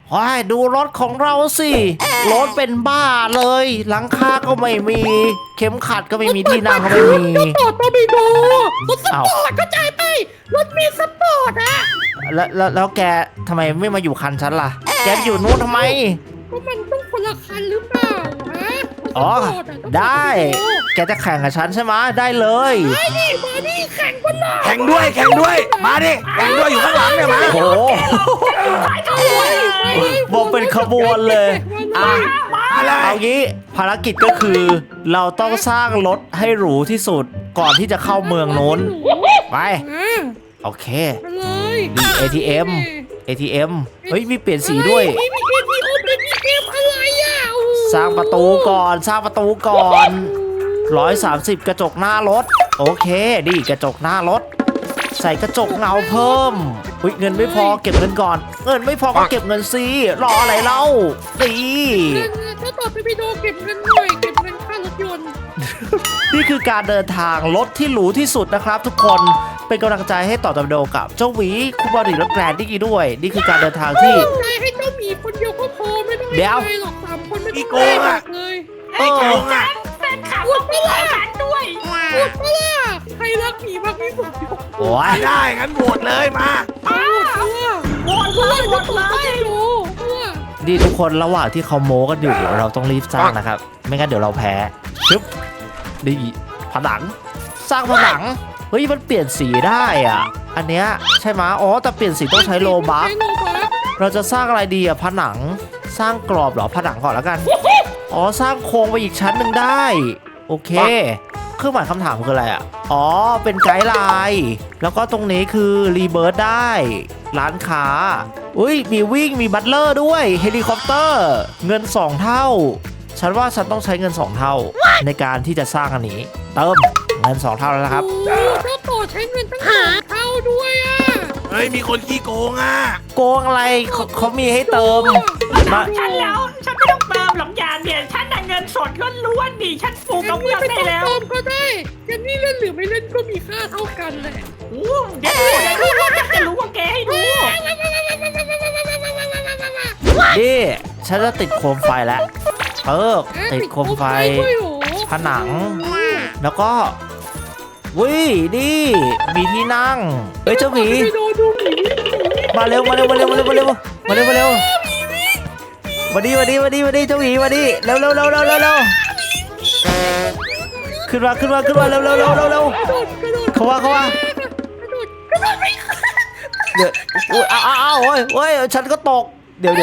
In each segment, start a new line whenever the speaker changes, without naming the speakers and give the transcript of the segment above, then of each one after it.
ว้ายดูรถของเราสิรถเป็นบ้าเลยหลังคาก็ไม่มีเข็มขัดก็ไม่มีที่นั่งก็ไม่มี
รถตอร์ปิโดรถสปอร์ตเข้าใจไหมรถมีสปอร์ตอะ
แล้วแกทำไมไม่มาอยู่คันฉันล่ะแกอยู่นู้นทำไม
ก็มันต้องคนละคันหรือเปล่าฮะ
อ๋อ
สปร์ตะต้อง
ได้แกจะแข่งกับฉันใช่ไหมได้เลย
ได้ดิมาดิแข่งกันหน่อย
แข่งด้วยมาดิแข่งด้วยอยู่ข้างหลังเนี่ยมา
โอ้โหบอกเป็นขบวนเลยอ่ะ
อะไร
เอางี้ภารกิจก็คือเราต้องสร้างรถให้หรูที่สุดก่อนที่จะเข้าเมืองนู้นไปโอเค
มาเลย
ดี ATM เฮ้ยมีเปลี่ยนสีด้วย
มี ATM อะไรอ่ะโอ้โห
สร้างประตูก่อน130กระจกหน้ารถโอเคดีกระจกหน้ารถใส่กระจกเงาเพิ่มอุ๊ยเงินไม่พอเก็บเงินก่อนเงินไม่พอก็เก็บเงินสิรออะไรเล่าดี
ถ้าต่อไปพี่โดเก็บเงินหน่อยเก็บเงินค่ารถยนต์
นี่คือการเดินทางรถที่หรูที่สุดนะครับทุกคนเป็นกำลังใจให้ต่อตะโดกับเจ้าหวีคูบอดี้และแกรนดี้ด้วยนี่คือการเดินทางที่
ใจให้เจ้าหมีคนเดียวก็พอไม่ต้อง
เดี๋ยว
ให้หรอก3 คนไม่ต้องให้หรอกเลย
เออ
แฟนคลับต้องมีฉันด้วยพูดปะล่ะใครรักหมีมากที่สุดยก
โอ้ย
ได้งั้นโหวตเลยมา
โหวตเลยโหวตเลยโหวตเลย
นี่ทุกคนระหว่างที่เขาโม้กันอยู่เราต้องรีบสร้างนะครับไม่งั้นเดี๋ยวเราแพ้ชึบดีผนังสร้างผนังเฮ้ยมันเปลี่ยนสีได้อ่ะอันเนี้ยใช่ไหมอ๋อแต่เปลี่ยนสีต้องใช้โลบัค
ใช้โลบัค
เราจะสร้างอะไรดีอ่ะผนังสร้างกรอบเหรอผนังก่อนแล้วกันอ๋อสร้างโครงไปอีกชั้นหนึ่งได้โอเคเครื่องหมายคำถามคืออะไรอ่ะอ๋อเป็นไกด์ไลน์แล้วก็ตรงนี้คือรีเบิร์ตได้ร้านค้าอุ้ยมีวิ่งมีบัตเลอร์ด้วยเฮลิคอปเตอร์เงิน2เท่าฉันว่าฉันต้องใช้เงิน2เท่าในการที่จะสร้างอันนี้เติมเงิน2เท่าแล้วนะครับ
โอ้เจ้าต่อใช้เงินตั้ง2 เท่าด้วยอ่ะ
เฮ้ยมีคนขี้โกงอ่ะ
โกงอะไรเขามีให้เติมมา
ฉันแล้วฉันไม่ต้องเติมหรอกยาเนี่ยฉันได้เงินสดล้วนๆดิฉันฟูกกับเมืองได้แล้ว
เติมก็ได้แกนี่เล่นหรือไม่เล่นก็มีค่าเท่ากันแหละ
โอ้เดี๋ยวจะรู้ว่าแกให้ดู
นี่ฉันจะติดโคมไฟแล้วติดโคมไฟ
ด้วยเหรอ
ผนัง แล้วก็วินี่มีที่นั่งเฮ้ยเจ้าหมี
ไปดูหมี
มาเร็วมาดีเจ้าหมีมาดิเร็วขึ้นมาเร็วเขาว่า
กระโดดไม่
เดี๋ยวอ้าวโอ้ยฉันก็ตกเดี๋ยว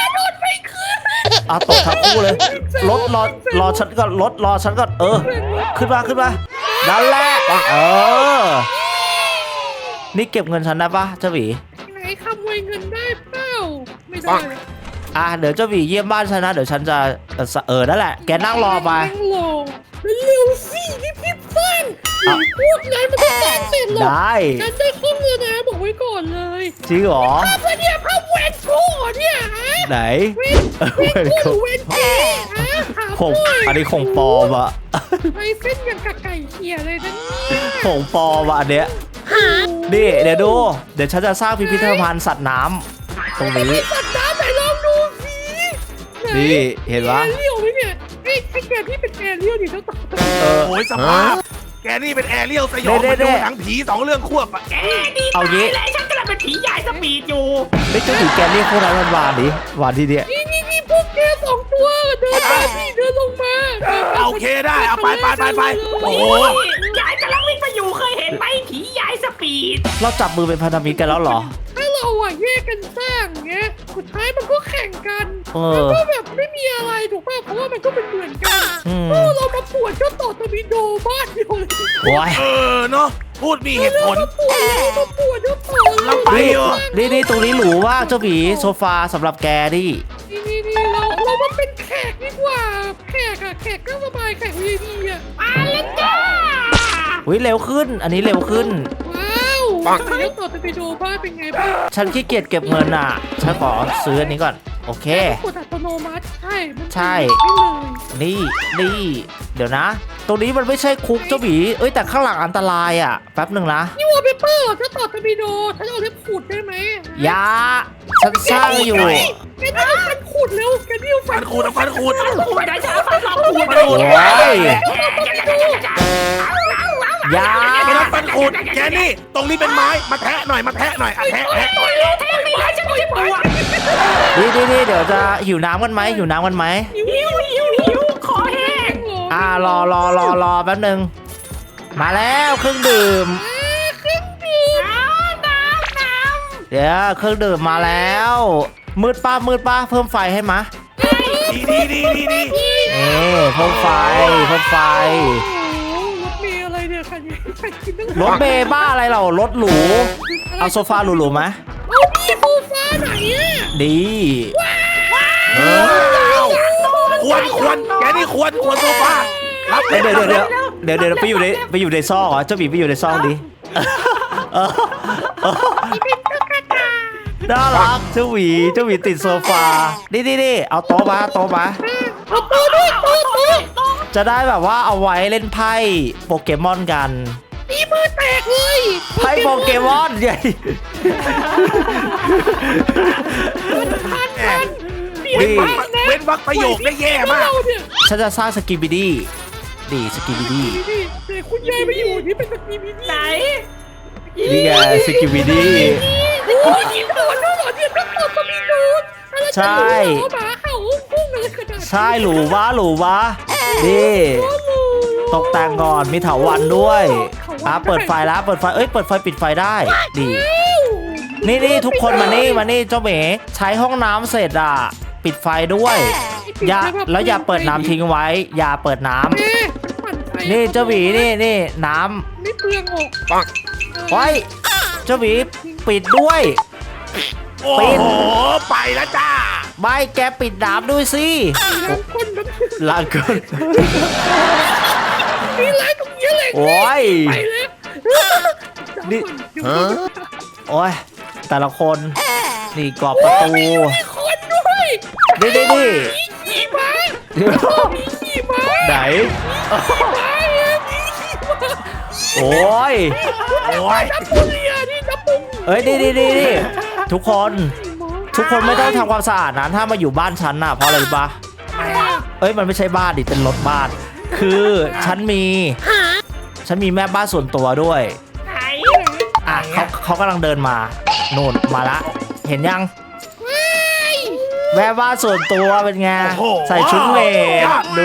ตกทั้งคู่เลยรถรอฉันก่อนรอฉันก่อนขึ้นมานั่นแหละนี่เก็บเงินฉันได้ปะเจ้าหวี
ไหนขโมยเงินได้เปล่าไม่ได้
เดี๋ยวเจ้าหวีเยี่ยมบ้านฉันนะเดี๋ยวฉันจะนั่นแหละแกนั่งรอไป
นั่งรอเร็วสิพี่ฟันพูดไงมันก็สร้างเสร็จหรอก
ได้
ฉันได้ข้อมูลนะบอกไว้ก่อนเลย
จริงเหรอ
ภาพเนี่ยภาพแวนโก้เนี่ยฮะ
ไหน
เวนโก้หรือเวนเก้ฮะถาม
คง
หน่อย
อันนี้คงปลอมอะ
ไอ้เส้นอย่างกับไก่เขี่ยเลยนะเนี่ย
คงปลอมอะอันเนี้ยนี่เดี๋ยวดูเดี๋ยวฉันจะสร้างพิพิธภัณฑ์สัตว์น้ำตรงนี้
สัตว์น้ำไหนลองดูสิ
นี่เห็นปะ
แอเรียลไหมเนี่ยให้แกที่เป็นแอเรียลดิเจ้าต่อ
โอ้ยสภาพแกนี่เป็นแอเรียลสยองมาดูหนังผี2 เรื่องควบอ่ะ
แกดี
เอางี้
เลยฉันกำลังเป็นผีใหญ่สปีดอยู่
ไม่เจ้าหวีแกเรียกพวกนั้นมันวานดิวานที่เนี้ย
นี่พวกแก2 ตัวเดินมาพี่เดินลงมา
โอเคได้เอาไปโอ้โห
ยายกำลังวิ่งไปอยู่เคยเห็นไหมผีใหญ่สปีด
เราจับมือเป็นพันธมิตรกันแล้วเหรอ
ถ้าเราอ่ะแยกกันสร้างเงี้ยสุดท้ายมันก็แข่งกัน
อ
ก็แบบไม่มีอะไรถูกป่ะเพราะว่ามันก็เป็นเหมือนกัน เรามาปวดเจ้าต่อตะบิโดบ้านเดียวเลย
โอ้ย
เนาะพูดมีเหตุผล
มาปวดเจ้าต่อ
เราไปเหรอ
นี่ตรงนี้หรูมากเจ้าหวีโซฟาสำหรับแกดิ
นี่เรามาเป็นแขกดีกว่าแขกก็สบายแขก VIP อ่ะ
มาแล้วจ้า
อุ้ยเร็วขึ้นอันนี้เร็วขึ้น
ว้าวเจ้าต่อตะบิโดบ้านเป็นไงบ้าง
ฉันขี้เกียจเก็บเงินอ่ะฉันขอซื้ออันนี้ก่อนโอเค
กดอัตโนมัติใช่
ใช่
ให้เลย
นี่เดี๋ยวนะตรงนี้มันไม่ใช่คุกเจ้าหมีเอ้ยแต่ข้างหลังอันตรายอ่ะแป๊บหนึ่งนะ
นี่วอลเปเปอร์จะต่อตะบีโดฉันเอาเล็บขูดได้ไหม
ยาฉันสร้างอยู่
แกนี่เอาฟันขูดเร็วแกนี่เอาฟั
ฟั
น
นขูดฟันขูด
ขูดได้จ้าฟันหลอกขูด
ฟันขูด
โอ้ยยา
ไม่ต้องฟันขูดแกนี่ตรงนี้เป็นไม้มาแทะหน่อยมาแทะหน่อยแทะ
แทงนี่ฉันไม่ใช่ปูอ่ะ
นี่เดี๋ยวจะหิวน้ำกันไหมหิวน้ำกันไหม
หิวคอแห้ง
รอแป๊บหนึงมาแล้วเครื่องดื่ม เดี๋ยวเครื่องดื่มมาแล้วมืดป้าเพิ่มไฟให้มะ
ดี
นี่เพิ่มไฟ
โอ้โหรถเมย์อะไรเนี่ยคันนี้ใครกินตั้ง
รถเมย์บ้าอะไรเรารถหรูเอาโซฟาหรูๆไหม
เอาพี่โซฟาไหนอ่ะ
ดี
ควรแกนี่ควรโซฟารับ
เดี๋ยวไปอยู่ในซอกเหรอเจ้าหมีไปอยู่ในซอกดิน่ารักเจ้าหมีติดโซฟานี่เอาโต๊ะมา
เอาโต๊ะด้วยโต๊ะ
จะได้แบบว่าเอาไว้เล่นไพ่โปเกมอนกัน
ตีมือแตกเลย
ไพ่โปเกมอนใหญ่
เว้นวักประโยคได้แย่มาก
ฉันจะสร้างสกิบิดี้ดีสกิบิดี้
แต่คุณยายไม่อยู่นี่เป็นสกีบิ
ไหน
นี่ไงสกิบิดี้
โอ้ยกินต่อเจ้าหรอเนี่ยต้องต่อสมีนูดหมาเห่าพุ่งเลยขนาด
ใช่หรูวะนี่ตกแต่งก่อนมีเถาวัลย์ด้วยเปิดไฟแล้วเปิดไฟปิดไฟได้ดีนี่ทุกคนมานี่เจ้าเหมใช้ห้องน้ำเสร็จอ่ะปิดไฟด้วยอย่าเปิดน้ำทิ้งไว้อย่าเปิดน้ำนี่เจ้าหมีนี่น้ำ
ไม่เปลืองออก
ไว้เจ้าหมีปิดด้วย
โอ้โหไปแล้วจ้า
ไม่แกปิดน้ำด้วยสิ
ล้างก้นน้ำ
ล้างก้น
มีร้านตรงนี้เลย
โอ้ย
ไปแล้ว
นี่โอ้ยแต่ละคนนี่กรอบประตู
มีคนด้วย
นี่
มีขี่ม้ามีขี่ม้า
ไหน
ม้าเนี่ยมีขี่ม้า
โอ้ย
นับปุเรียนี่นับปุ
เอ้ยนี่ทุกคนไม่ต้องทำความสะอาดนะถ้ามาอยู่บ้านฉันน่ะเพราะอะไรรู้ปะเอ้ยมันไม่ใช่บ้านดิเป็นรถบ้านคือฉันมีแม่บ้านส่วนตัวด้วย
ไหน
อ่ะเขากำลังเดินมาโน่นมาละเห็นยังแม่บ้านส่วนตัวเป็นไงใส่ชุดเมดดู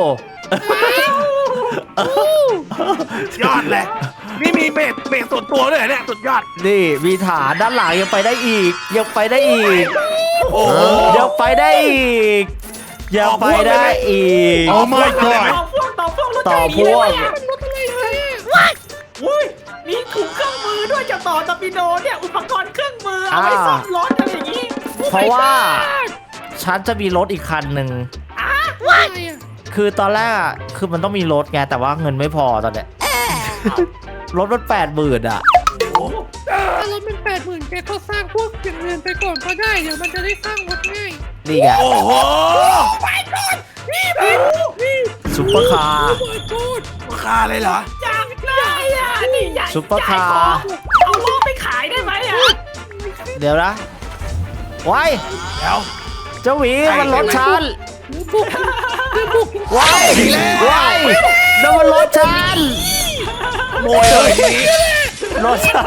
ยอดเลยนี่มีเบสส่วนตัวด้วยเนี่ยสุดยอด
นี่มีฐานด้านหลังยังไปได้อีก
โอ้โห
ยังไปได้อีก
โอ้ my god
ต่อพวก
มันรถอะไรเนี่ย
อุ้ยมีถุงเครื่องมือด้วยจะต่อตะปิโดเนี่ยอุปกรณ์เครื่องมือเอาไว้ซ่อมรถอะไรอย่างนี้
เพราะว่าฉันจะมีรถอีกคันหนึ่ง
อะไรอ่ะ
คือตอนแรกอะคือมันต้องมีรถไงแต่ว่าเงินไม่พอตอนเนี้ยรถมัน80,000อ่ะ
ถ้ารถมัน80,000แกก็สร้างพวกอย่างอื่นไปก่อนก็ได้เดี๋ยวมันจะได้สร้างรถง่าย
นี่ไง
โอ้โห
นี่
ซุปเปอร์คาร์
เปิดโคตร
ราคาเลยเหรอ
อยากได้อ่ะนี่ใหญ่
ซุปเปอร์คาร์
เอาล้อไปขายได้ไหมอ่ะ
เดี๋ยวนะไว้
เดี๋ยว
เจ้าหวีมันรถฉัน
บุก
ไว้นั่นมันรถฉัน
โมยเลยทีนี้
รถฉัน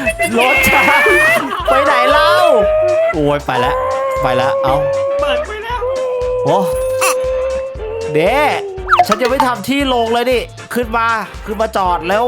ไปไหนเล่าโอ้ยไปแล้วเอา
เปิดไปแล้ว
โอ้เด้ฉันจะไม่ทำที่ลงเลยนี่ขึ้นมาจอดเร็ว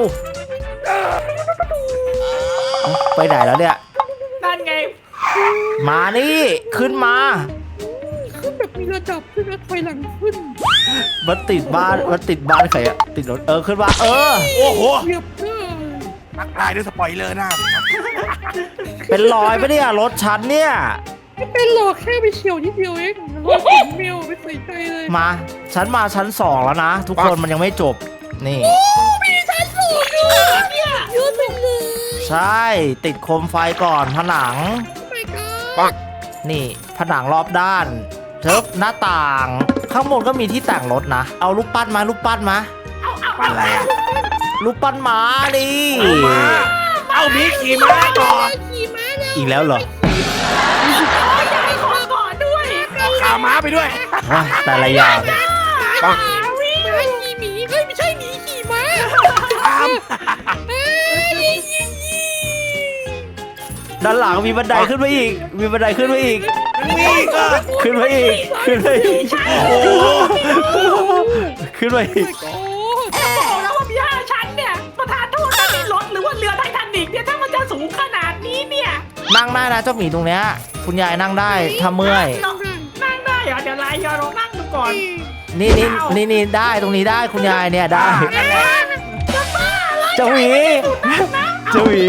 ไปไหนแล้วเนี่ย
นั่นไง
มานี่ขึ้นมา
ขึ้นแบบมีระดับขึ้นนะถอยหลังขึ้น
มันติดบ้านใครอะติดรถขึ้นมา
โอ้โห
เหยียบหน้า
ทักทายด้วยสปอยเลอร์หน้า
เป็นรอยปะเนี่ยรถฉันเนี่ย
ไม่เป็นหรอกแค่ไปเฉียวนิดเดียวเองรถถึงเมลไม่ใส่ใจเลย
มาฉันมาชั้น2แล้วนะทุกคนมันยังไม่จบนี่
มีชั้นสูงด้วยเนี่ยเยอะจังเลย
ใช่ติดโคมไฟก่อนผนัง
ไม่กล้า
นี่ผนังรอบด้านเทิบหน้าต่าง ข้างบนก็มีที่แต่งรถนะเอารูปปั้นมา
เอา
ปั้นอะไรอ่ะ
รูปปั้นหมาดิ
เอาหมีขี่ม้าก่อน
ขี่ม้าแล้ว
อีกแล้วเหรอ
ยายขอก่อนด้วย
เอาขาม้าไปด้วย
ว้าแต่ละอย่าง
ปัง
ม้าขี่หมีเฮ้ยไม่ใช่หมีขี่ม้า
ตาม
เอ้ย
ด้านหลังมีบันไดขึ้นไปอีก มีบันไดขึ้นไปอีก
นี่ก็
ขึ้นไปอีก ขึ้นไปอีก
โอ้โห
ขึ้นไปอีก
โอ้
บอกแล้วว่าย่าฉันเนี่ยประธานโทษนะนี่รถหรือว่าเรือไททานิกเนี่ยถ้ามันจะสูงขนาดนี้เนี่ย
นั่งได้นะเจ้าหมีตรงเนี้ย คุณยายนั่งได้ถ้าเมื่อย
ลองนั่งได้เหรอเดี๋ยวไลน์ยอลองนั่งดูก่อน
นี่ได้ตรงนี้ได้คุณยายเนี่ยได้
นั่นแหละ
เจ้าหมีเจ้าหมี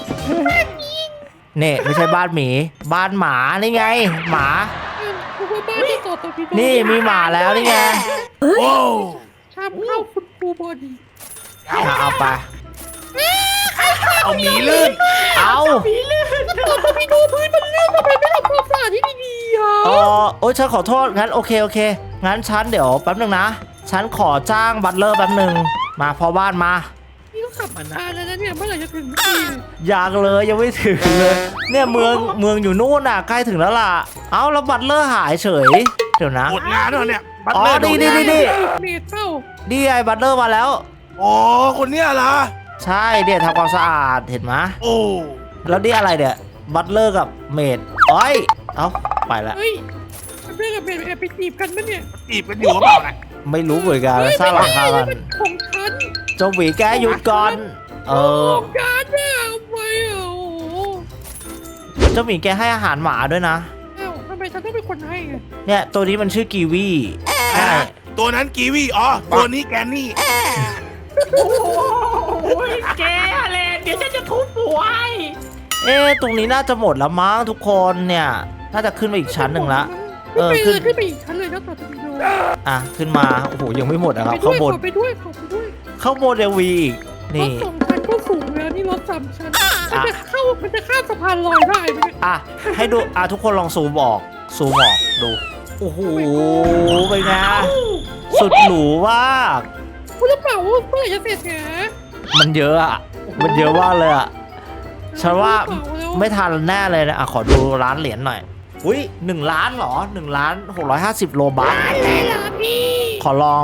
นี่ไม่ใช่บ้านหมี บ้านหมานี่ไง หมา
คุณว่าบ้านที่ต่อตะพีโด
นี่มีหมาแล้วนี่ไง
โอ้
ชามข้าวคุณครูบอดี
เอาไป
เอาหมีลื่น
เอา
ต่อตะพีโดพื้นมันลื่นทำไมไม่ทำความสะอาดที่ดีๆอ่ะ
โอ้ยฉันขอโทษงั้นโอเคงั้นฉันเดี๋ยวแป๊บนึงนะ ฉันขอจ้างบัตเลอร์แป๊บนึงมาพอบ้านมา
นี่ก็ขับมานานแล้วนะเนี่ยเมื่อไหร่จะถึงที
อยากเลยยังไม่ถึงเลย เนี่ยเมืองอยู่นู่นน่ะใกล้ถึงแล้วล่ะ เอาแล้วบัตเลอร์หายเฉย เดี๋ยวนะ
หมดงานแล้วเนี่ยบัต
อ๋อ
เลอร์โด
นี่
งาน
เมดเต้า
นี่ไงบัตเลอร์มาแล้ว
อ๋อคนเนี้ยเหรอ
ใช่เนี่ยทำความสะอาดเห็นไหม
โอ้
แล้วนี่อะไรเนี่ยบัตเลอร์กับเมดเอ้ยเอาไปละ
เฮ้ยเพื่อนกับเมดแอบไปจีบกันปะเนี่ย
จีบกันอยู่หรือเปล่านะ
ไม่รู้เหมือนกันสร้างราคากัน
มันของฉัน
เจ้าหวีแกหยุดก่อน
ของฉันเนี่ยเอาไปอ่ะโอ้โห
เจ้าหมีแกให้อาหารหมาด้วยนะ
อ้าวทำไมฉันต้องเป็นคนให้อ่ะ
เนี่ยตัวนี้มันชื่อกีวีใช่
ตัวนั้นกีวีอ๋อตัวนี้แกนนี่
โอ้ยแกอะไรเดี๋ยวฉันจะทุบหัวให้
เอ๊ะตรงนี้น่าจะหมดแล้วมั้งทุกคนเนี่ย น่าจะขึ้นไปอีกชั้นหนึ่งละ
ขึ้นไปอีกชั้นเลยนะต่อจากนี้ดู
อ่ะขึ้นมาโอ้โหยังไม่หมดนะครับ
ขอ
ข้างบน
ไปด้วยขอไปด้วย
ข้างบนยังมีอีก
ร
นี่
ถ2 ชั้นก็สูงแล้วนี่รถ3 ชั้นมันจะข้ามสะพานลอยได้ไหมเนี่ย
อ่ะให้ดูอ่ะทุกคนลองซูมออกดูโอ้โหเป็นไงสุดหรูมาก
คุณจะเปล่าว่าเมื่อไหร่จะเสร็จเนี่ย
มันเยอะอ่ะมันเยอะมากเลยอ่ะฉันว่าไม่ทันแน่เลยนะอ่ะขอดูร้านเหรียญหน่อยอุ้ย1 ล้านเหรอ1,650,000โลบัค
อะไรล่ะพี่
ขอลอง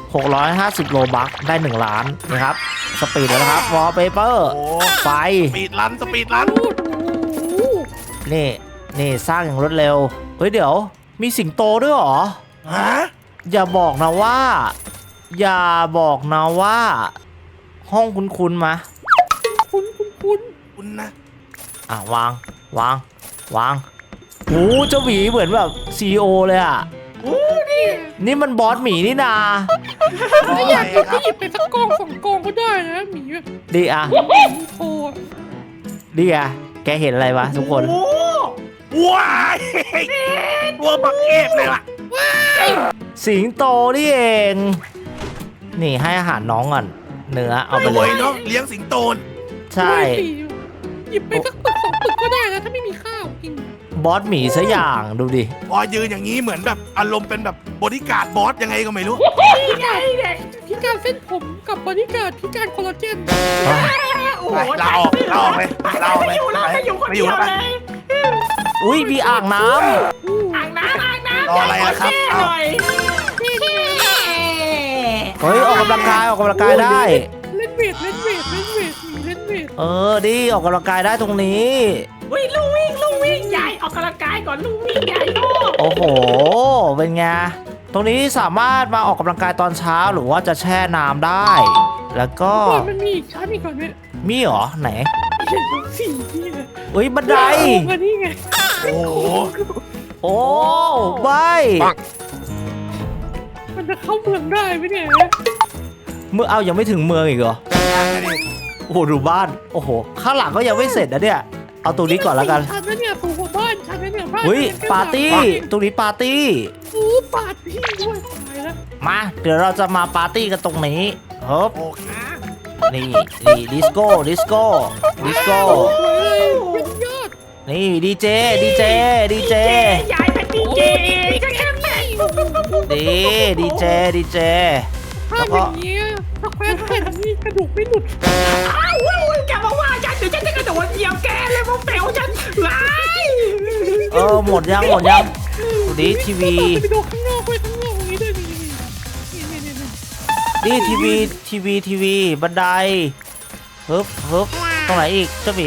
650 โลบัคได้ 1 ล้านนะครับสปีดแล้วนะครับวอลเปเปอร์
โอ้
ไฟ
สปีดรันสปีดรัน
โอ้โห
นี่สร้างอย่างรวดเร็วเฮ้ยเดี๋ยวมีสิงโตด้วยเหรอ
ฮะ
อย่าบอกนะว่า ห้องคุ้นๆมา
คุณ
คุณนะ
อ่ะวางโอ้เจ้าหมีเหมือนแบบCEO เลยอ่ะนี่มันบอสหมีนี่นา
ถ้าอยากกินก็หยิบไปสักกอง2 กองก็ได้นะหมีอะ
ดีอ่ะ
โอ้อะ
ดีอ่ะแกเห็นอะไรวะทุกคน
โอ้
ว้ายตัวบักเอฟเลยล่ะ
สิงโตนี่เอง นี่ให้อาหารน้องก่อนเนื้อเอาไป
ร
เล
วย
ย
เนาะเลี้ยงสิงโตน
ใช่
หยิบไปสัก2 ปึกก็ได้นะถ้าไม่มีข้าวกิน
บอสหมีซะอย่างดูดิ
พอยืนอย่างนี้เหมือนแบบอารมณ์เป็นแบบบริการดบอสยังไงก็ไม่รู้
นี่ไงเนี่ย
พิการเส้นผมกับบริการพิการคอลลาเจน
โอ้โห
ไปลาออกลาออกเลยลาออกเลย
ไม่อยู่คน
ไม่อ
เดี
ยู่
ยว
แล้วไป
เลย
อุ้ยมีอ่างน้
อ่างน้ำ
รออะไรล่ะครับ
แช่หน่อย
ำเฮ้ยออกกำลังกายได้
เล่นเวทหมีเล่นเวท
ดิออกกำลังกายได้ตรงนี้
วิ่งลูกวิ่งใหญ่ออกกำลังกายก่อนลูกวิ่งใหญ่โอ้
โอ้โห เป็นไง ตรงนี้สามารถมาออกกำลังกายตอนเช้าหรือว่าจะแช่น้ำได้ แล้วก็
มันมีอีกชั้นอีกก่อนเนี่ย
มีเหรอไหน
เห็นทั้ง4ที่เลย
อุ้ยบันได
อันนี้ไง
โอ้โห
โอ้ใบ
มันจะเข้าเมืองได้ไหมเนี่ย
เมื่อเอายังไม่ถึงเมืองอีกเหรอ โอ้โหดูบ้าน โอ้โห ข้างหลังก็ยังไม่เสร็จนะเนี่ย เอาตรงนี้ก่อนแล้วกัน
ชั้นนั้นเนี่ยสูงกว่าบ้านชั้นนั้นเนี่ยบ้าน
อุ้ยปาร์ตี้ ตรงนี้ปาร์ตี้
โอ้ปาร์ตี้ด้วยตายแล้ว
มา เดี๋ยวเราจะมาปาร์ตี้กันตรงนี้ฮึบ
โอเค
นี่ดิสโก้
สวยเลยยอด
นี่ดีเจ
ใหญ่เป็นดีเจเองก็แค่แม่
ดีเจ
ทภาพอย่างเงี้ยสักแป๊บเห็นนี่กระดูกไม่หลุด
อ้าวแกมาว่าฉันเดี๋ยวฉันจะกระโดดเหยียบแกเลยพวกเป๋วฉันร้าย
หมดยังดูดิทีวี
ไปดูข้างนอกไปข้างนอกอย่างนี้ด้วยนี่
นี่ทีวีบันไดฮึบตรงไหนอีกเจ้าหมี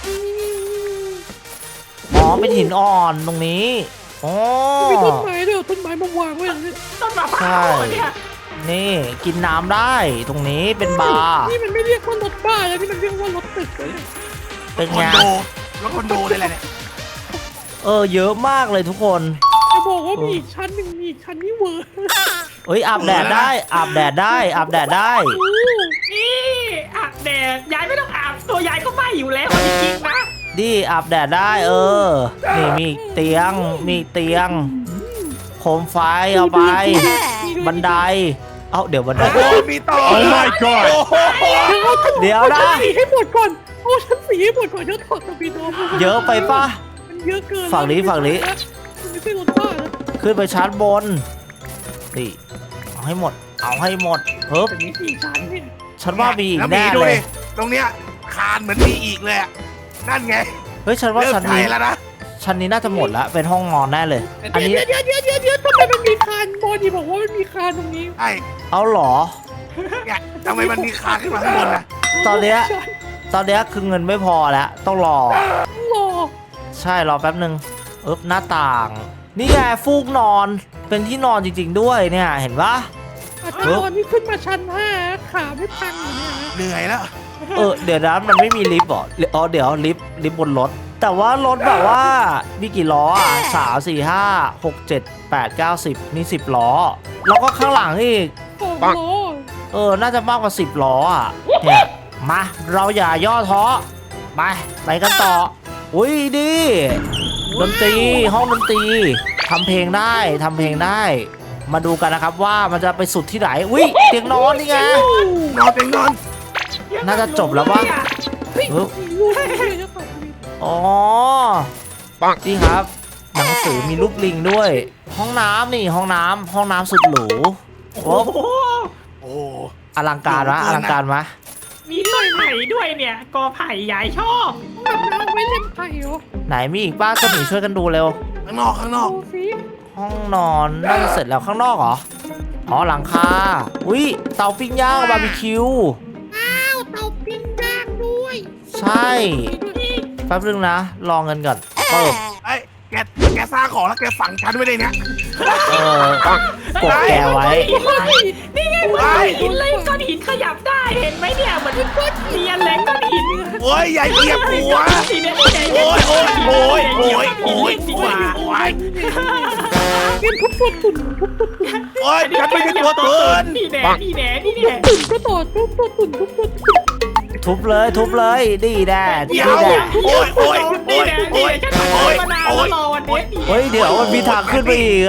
อ๋อเป็นหินอ่อนตรงนี้อ๋อ
มีต้นไม้ด้วยต้นไม้มาวางไว้อย่างนี้
ต้นมะพร้าวเนี่ย
นี่กินน้ำได้ตรงนี้เป็นบาร์
นี่มันไม่เรียกว่ารถบ้าแล้วนี่มันเรียกว่ารถตึกเลย
เป็น
คอ
ไง
นโดแล้วคอนโดได้แหละเนี่ย
เยอะมากเลยทุกคน
จะบอกว่ามีอีกชั้นหนึ่งมีอีกชั้นนี่เวอร์
อาบแดดได้อาบแดดได้
นี่อาบแดดยายไม่ต้องอาบตัวยายก็ไหม้อยู่แล้วจริงๆนะ
ดิอาบแดดได้นี่มีเตียงโคมไฟเอาไป บันไดเดี๋ยวบันได
โอ้มีต่อ
Oh my god
เดี๋ยวนะ
สีให้หมดก่อนเอาชั้นสีให้หมดก่อนเดี๋ยวถอดตะปีโดม
เยอะไปปะ
มันเยอะเกิน
ฝั่งนี้
มันไม่ใช่รถบ้าแล้ว
ขึ้นไปชั้นบนนี่เอาให้หมดเฮ้ย
แต่มี4ชั้นเนี่ย
ฉันว่ามีอีก
แล้ว
แน่
ดู
เล
ดิ
ย
ตรงเนี้ยคานเหมือนมีอีกเลยอะนั่นไง
เฮ้ยฉันว่า
เริ่ม
ชั้น
ใจ
นี้
แล้วนะ
น่าจะหมดละเป็นห้องนอนแน่เลย อันนี้
เดี๋ยวทำไมมันมีคานบอดี้บอกว่ามันมีคานตรงนี้
ไอ้
เอาเหรอ
เนี่ยทำไมมันมีคานขึ้นมาข้างบนนะ
ตอนเนี้ยคือเงินไม่พอแล้วต้องรอ
รอ
ใช่รอแป๊บหนึ่งหน้าต่าง นี่ไงฟูกนอนเป็นที่นอนจริงๆด้วยเนี่ยเห็นปะ
อาจารย์ตอนนี้ขึ้นมาชั้น5ขาไม่พังอยู่เนี่ยนะ
เหนื่อยแล้ว
เดี๋ยวนะมันไม่มีลิฟต์เหรอเดี๋ยวลิฟต์บนรถ แต่ว่ารถแบบว่ามีกี่ล้อ3 4 5 6 7 8 9 10มี10 ล้อ แล้วก็ข้างหลังอีก
2 ล้อ
น่าจะมากกว่า10 ล้อเนี่ยมาเราอย่าย่อท้อไปกันต่ออุ้ยดีดนตรีห้องดนตรีทำเพลงได้ มาดูกันนะครับว่ามันจะไปสุดที่ไหนอุ้ยเตียงนอนนี่ไง
นอนเป็นนอน
น่าจะจบแล้ววะ
ลูกเลยจะตอบดี
อ๋อนี่ครับ หนังสือมีรูปลิงด้วย ห้องน้ำห้องน้ำสุดหรูโอ้
โอ้
อลังการวะ
มีต้นไผ่ด้วยเนี่ยกอไผ่ยายชอบ
แบบน้ำไว้เล่นไผ่เหรอ
ไหนมีอีกบ้างก็หนีช่วยกันดูเร็ว
ข้างนอก
ดูสิ
ห้องนอนน่าจะเสร็จแล้วข้างนอกเหรอหลังคาอุ้ยเตาปิ้งย่างบาร์บีคิว
อ้าวเตาปิ้งย่างด้วย
ใช่แป๊บนึงนะรอเงินก่อนเปิด
ไอ้แกสร้างของแล้วแกฝังฉันไว้ในเนี้ย
กดแกไว้
นี่ไงมันก้อนหินเลยก้อนหินขยับได้เห็นไหมเนี่ยเหมือนก้อนเรียนแหลงก้อนหิน
โอ้ยอย่าเหยียบหัว
สีเนี่ย
โอ้ยดีกว่าโอ้ย
เป็นทุบตัวตุ่นทุบตัวตุ่น
โอ้ยฉันไม่ใช่ตัวเตือน
นี่แน่
ตุ่นก็ต่อทุบตัวตุ่นทุบตัวตุ่น
ทุบเลยดีแน่
เดี๋ยวโอ้ย
นี่แน่ฉันทำมานานแล้วรอวันนี้
เฮ้ยเดี๋ยวมันมีทางขึ้นไปอีก
เดี๋ยว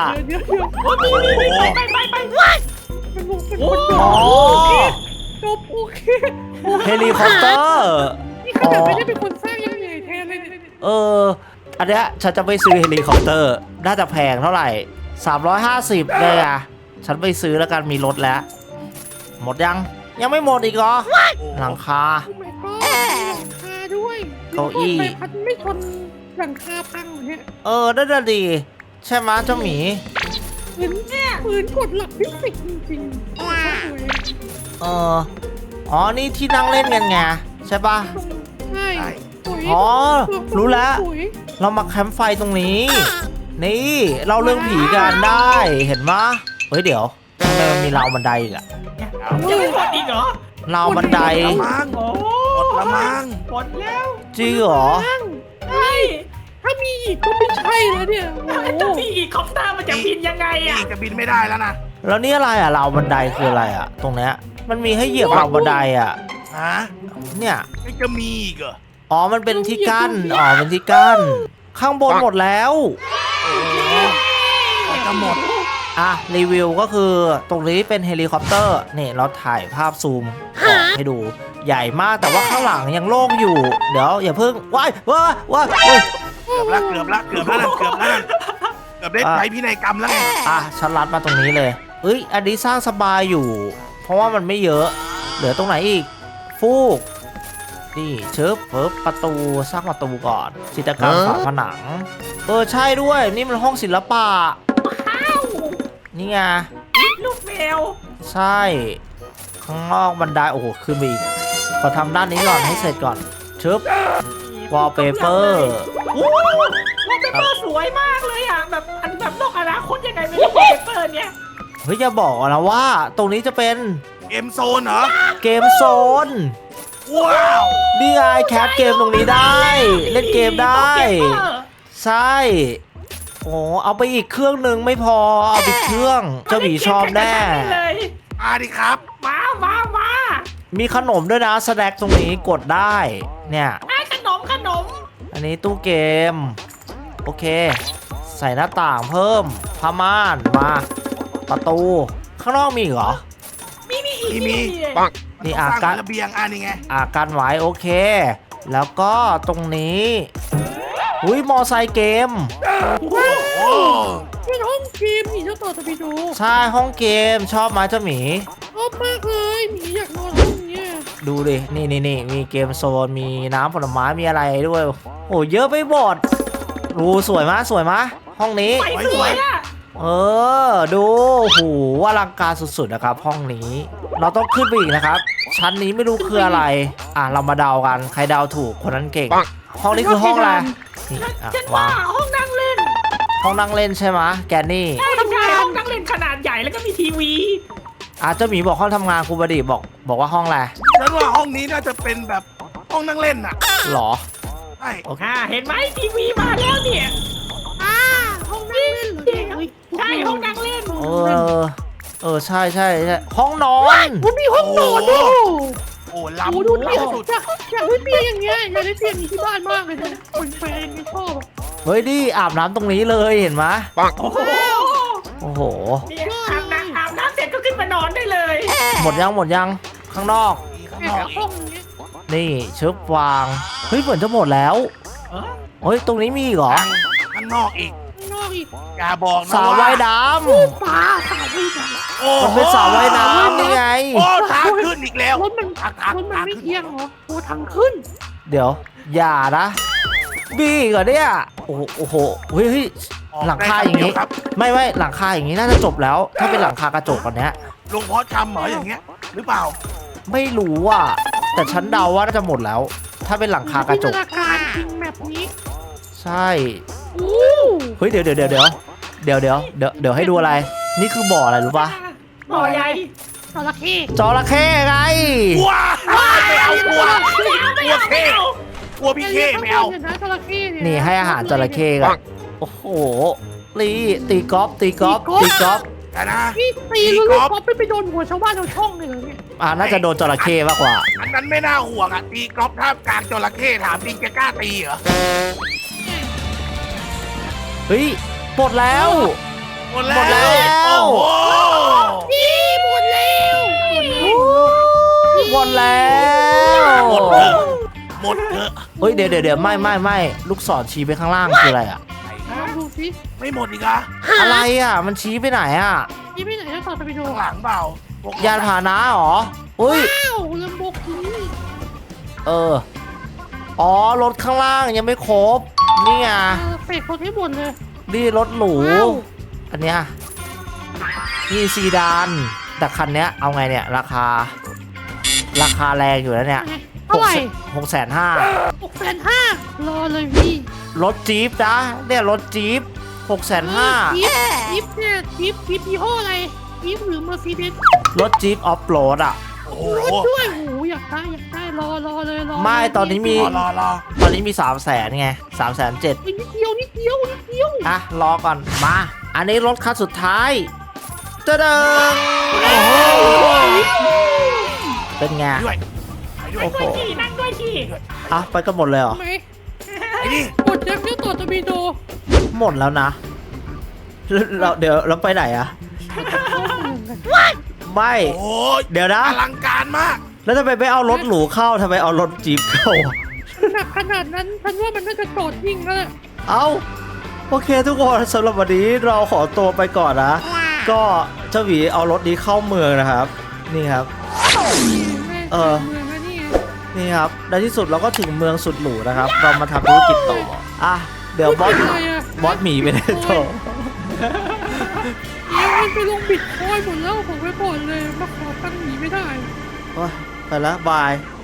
ไป
มันลงเป็นคน
อ๋อ
จบโอเค
เฮลิคอปเตอร์
นี่ขนาดไม่ได้เป็นคนสร้างยังเหนื่อยแทนเลยเนี่ย
อันเนี้ยฉันจะไปซื้อเฮลิคอปเตอร์น่าจะแพงเท่าไหร่350เลยฉันไปซื้อแล้วกันมีรถแล้ว หมดยังไม่หมดอีกเหรอหลังคา
โอ้ my god มีหลังคาด้วย
เก้าอี้
ใบพัดไม่ชนหลังคาพังเหรอเนี่ย
น่าดีใช่ไหมเจ้าหมี
เหมือนกดหลักฟิสิกส์จริงๆโอ้ย
อ๋อนี่ที่นั่งเล่นกันไงใช่ปะ
ใช่สวย
อ๋อรู้แล้ว
สวย
เรามาแคมป์ไฟตรงนี้ นี่เราเรื่องผีกันได้เห็นไหมเฮ้ยเดี๋ยวทำไมมันมีราวบันไดอีกอะ
จะไม่หมดอีกเหรอ
ราวบันได
มัง
โอ้
หมดละมัง
หมดแล้ว
จริงเหรอ
ใช่
ถ้ามีอีกก็ไม่ใช่แล้วเนี่ยโอ้โห
จะมีอีกคอปเตอร์มันจะบินยังไง
นี่
อ่ะ
จะบินไม่ได้แล้วนะ
แล้วนี่อะไรราวบันไดคืออะไรตรงเนี้ยมันมีให้เหยียบราวบันได
ฮะ
เนี่ย
ไม่จะมีอีกเหรอ
มันเป็นที่กั้นเป็นที่กั้นข้างบนหมดแล้ว
จะหมด
รีวิวก็คือตรงนี้เป็นเฮลิคอปเตอร์นี่เราถ่ายภาพซูมออกให้ดูใหญ่มากแต่ว่าข้างหลังยังโล่งอยู่เดี๋ยวอย่าเพิ่งว้ายเฮ้ย
เกือบแล้วนะเกือบได้ใช้พินัยกรรมแล้วไง
ฉันรัดมาตรงนี้เลยเอ้ยอันนี้สร้างสบายอยู่ เพราะว่ามันไม่เยอะ เหลือตรงไหนอีกฟูกนี่เชิบเฟิบประตูสร้างประตูก่อนจิตรกรรมฝาผนังใช่ด้วยนี่มันห้องศิลปะ
ว้าว
นี่ไง
ลูกแมว
ใช่ข้างนอกบันไดโอ้โหขึ้นไปอีกขอทำด้านนี้ก่อนให้เสร็จก่อนชึบ wallpaper
โอ้วอลเปเปอร์สวยมากเลยอ่ะแบบอันแบบโลกอนาคตยังไงไม่รู้วอลเปเปอร์เนี่ย
เฮ้ยอย่าบอกนะว่าตรงนี้จะเป็น
เกมโซนเหรอ
เกมโซน
ว้าว
นี่ไงแคสเกมตรงนี้ได้ เล่นเกมได้ ใช่โอ้เอาไปอีกเครื่องหนึ่งไม่พอเอาไปอีกเครื่องเจ้าหมีชอบแน่
เลย
มาดิครับ
มา
มีขนมด้วยนะสแน็คตรงนี้กดได้เนี่ย
ไอ้ขนม
อันนี้ตู้เกมโอเค ใส่หน้าต่างเพิ่มผ้าม่านมาประตูข้างนอกมีอีกเหรอ
มีอีก
มี
ปัง
นี่
สร้าง
กัน
ระเบียงนี่ไง
กันไว้โอเค แล้วก็ตรงนี้อุ้ยมอไซค์เกม
โอ้
เป็นห้องเกมหมีเจ้าต่อตะบิโด
ใช่ห้องเกมชอบไหมเจ้าหมี
ชอบมากเลยหมีอยากนอนห้องเนี้ย
ดูดินี่มีเกมโซนมีน้ำผลไม้มีอะไรด้วยโอ้เยอะไปหมดดูสวยมะห้องนี้
ไฟสวยอ่ะ
ดูโหอลังการสุดๆนะครับห้องนี้ เราต้องขึ้นไปอีกนะครับ ชั้นนี้ไม่รู้คืออะไรเรามาเดากันใครเดาถูกคนนั้นเก่ง ห้องนี้คือห้องอะไรนี่
ฉันว่าว
าง
ห้องนั่งเล่น
ห้องนั่งเล่นใช่ไหมแกนนี่
ใช่ห้องนั่งเล่นขนาดใหญ่แล้วก็มีทีวี
เจ้าหมีบอกห้องทำงานครูบดีบอกว่าห้องอะไร
ฉันว่าห้องนี้น่าจะเป็นแบบห้องนั่งเล่นน่ะ
หรอ
ใช่
เห็นไหมทีวีมาแล้วเนี่ย
ห้องนั่งเล่นเหรอเนี่ยเฮ้ย
ใช่ห้องนั่งเล่น
ใช่ห้องนอน
มันมีห้องนอนด้วย
โอ้
โอ้
ล้ำ
ดูดิ
สุด
อยากได้เตียงอย่างเงี้ยอยากได้เตียงนี้ที่บ้านมากเลยนะคนแฟนไม่ชอบ
เฮ้ยดิอาบน้ำตรงนี้เลยเห็นไหม
โอ้โห
โอ้โห
เนี่ยอาบน้ำเสร็จก็ขึ้นมานอนได้เลย
หมดยังข้างนอก
ข้าง
แอบ
นอก
ห้องนี้
นี่ชึบวางเฮ้ยเหมือนจะหมดแล้วเฮ้ยตรงนี้มีอีกเหรอ
ข้างนอกอีก
ข้างนอกอีก
อย่าบอกนะ
สระว่ายน้
ปลาสาวไม่ได้
โอ้
ำมันเป็นสระว่ายน้ำนี่ไง
โอ้ทางขึ้นอีกแล้ว
รถมัน
ทาง
รถมัน
ทาง
ไม่
ขึ้น
เอียงเหรอโอ้ทางขึ้น
เดี๋ยวอย่านะบีก่อนเนี่ยโอ้โหเฮ้ยหลังคาอย่างนี้
ครับ
ไม่หลังคาอย่างนี้น่าจะจบแล้ว ถ้าเป็นหลังคากระจกก่อนเนี้ย
ลงพอชำเหรออย่างเงี้ย หรือเปล่า
ไม่รู้อ่ะแต่ฉันเดาว่าน่าจะหมดแล้ว ถ้าเป็นหลังคากระจก
จินตนาการจริงแบบนี้
ใช่
อู้
เฮ้ยเดี๋ยวให้ดูอะไร นี่คือบ่ออะไรรู้ปะ
บ่อใหญ่
จระเข้
จระเข้ไง
ว้าวไม่เอากลัวเข้กลัวพี่เข้ไม่เอา
ดี๋ยวนะจระเข้เย
นี่ให้อาหารจระเข้กันโอ้โหตีกอล์ฟ
แต่นะ
พี่ตีลูกป๊อปไปโดนหัวชาวบ้านชาวช่องเลยเหรอเนี่ย
น่าจะโดนจระเข้มากกว่า
อันนั้นไม่น่าห่วงอ่ะตีกอล์ฟท่ามกลางจระเข้ถามจริงจะกล้าตีเหรอ
เฮ้ยหมดแล้ว
หมดแล้ว
หมดแล้ว
โอ้โห
พี่หมดแล้ว
หมดแล้ว
หมดเถอะหมดเถอะ
เฮ้ยเดี๋ยวไม่ลูกศรชี้ไปข้างล่างคืออะไรอะ
ลองดูสิ
ไม่หมดอีกอะ
อะไรอะมันชี้ไปไหนอะ
พี่ไปไหนจะต่อไปดู
ข้างหลังเปล่าพวก
ยานพาหนะเหรออุ้ย
อ้าวลำโบกินี่
อ๋อรถข้างล่างยังไม่ครบนี่ไง
เฟกคนให้หมดเลย
นี่รถหรู
ว้าว
อันเนี้ยนี่ซีดานแต่คันเนี้ยเอาไงเนี่ยราคาแรงอยู่แล้วเนี่ย
เท่าไหร่
650,000
650,000รอเลยพี่
รถจี๊ปนะเนี่ยรถจี๊ป650,000
จิ๊บเนี่ยจิ๊บยี่ห้ออะไรจิ๊บหรือเมอร์ซีเดส
รถจี๊ปออฟโรดอะ
โอ้โห
รถด้วยโอ้โหอยากได้รอเลยรอ
ไม่ตอนนี้มี
รอ
ตอนนี้มี 300,000ไง307,000
นิดเดียว
รอก่อนมา อันนี้รถคันสุดท้ายจะเดิน
โอ้โห
เป็นไง
ด้วยไปด้วย
โอ้โห
นั่งด้วยที่
ไปกันหมดเลยเหรอ
ไหม
ไอ้นี่
กดยังเนี่ยต่อตะบีโด
หมดแล้วนะเดี๋ยวเราไปไหนอะ
เข้าเมืองกัน
ไม่
โอ้โห
เดี๋ยวนะ
อลังการมาก
แล้วทำไมไม่เอารถหรูเข้าทำไมเอารถจี๊ปเข้า
หนักขนาดนั้นฉันว่ามันน่าจะจอดยิงแล้วแหละ
เอาโอเคทุกคนสำหรับวันนี้เราขอตัวไปก่อนนะก็เจ้าหวีเอารถนี้เข้าเมืองนะครับ นี่ครับ
เมืองนี่
นี่ครับในที่สุดเราก็ถึงเมืองสุดหรูนะครับ เรามาทำธุรกิจต่ออ่ะเดี๋ยวบอสหมีไปได้ต่อ
มันไปลงบิตคอยหมดแล้วผมไปก่อนเลยมาขอตั้งหนีไม่ได้
โอ๊ยไปแล้วบาย